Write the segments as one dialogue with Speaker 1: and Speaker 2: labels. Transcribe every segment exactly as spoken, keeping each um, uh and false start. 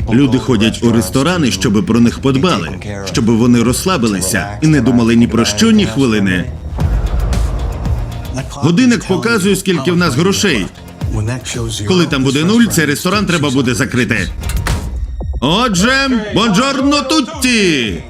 Speaker 1: Люди ходять у ресторани, щоб про них подбали, щоб вони розслабилися і не думали ні про що, ні хвилини. Годинник показує, скільки в нас грошей. Коли там буде нуль, цей ресторан треба буде закрити. Отже, бонджорно тутті!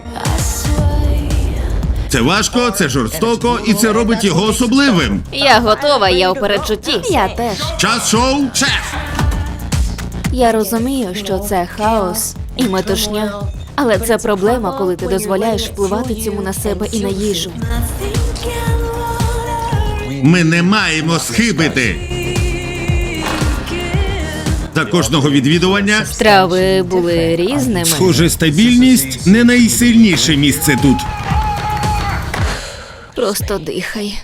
Speaker 1: Це важко, це жорстоко, і це робить його особливим.
Speaker 2: Я готова, я у передчутті. Я теж.
Speaker 1: Час шоу, шеф!
Speaker 2: Я розумію, що це хаос і метушня. Але це проблема, коли ти дозволяєш впливати цьому на себе і на їжу.
Speaker 1: Ми не маємо схибити. За кожного відвідування,
Speaker 2: Страви були різними.
Speaker 1: схоже, стабільність не найсильніше місце тут.
Speaker 2: Просто дихай.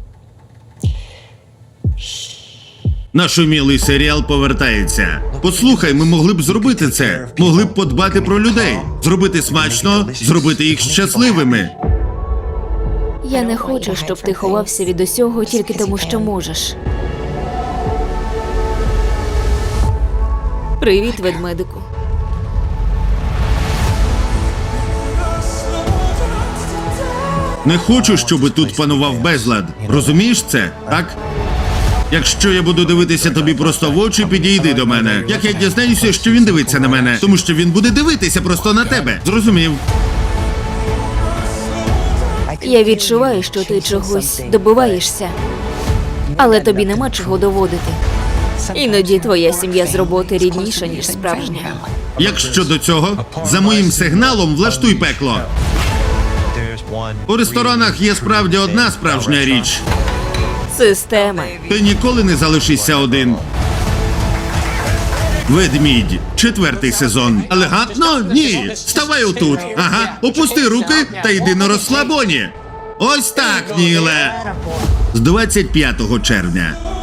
Speaker 1: Наш умілий серіал повертається. Послухай, ми могли б зробити це. Могли б подбати про людей. Зробити смачно, зробити їх щасливими.
Speaker 2: Я не хочу, щоб ти ховався від усього тільки тому, що можеш. Привіт, ведмедику.
Speaker 1: Не хочу, щоб тут панував безлад. Розумієш це, так? Якщо я буду дивитися тобі просто в очі, підійди до мене. Як я дізнаюся, що він дивиться на мене? Тому що він буде дивитися просто на тебе. Зрозумів?
Speaker 2: Я відчуваю, що ти чогось добиваєшся. Але тобі нема чого доводити. Іноді твоя сім'я з роботи рідніша, ніж справжня.
Speaker 1: Якщо до цього, за моїм сигналом влаштуй пекло. У ресторанах є справді одна справжня річ.
Speaker 2: Система.
Speaker 1: Ти ніколи не залишишся один. Ведмідь. Четвертий сезон. Елегантно? Ні. Ставай отут. Ага. Опусти руки та йди на розслабоні. Ось так, Ніле. З двадцять п'ятого червня.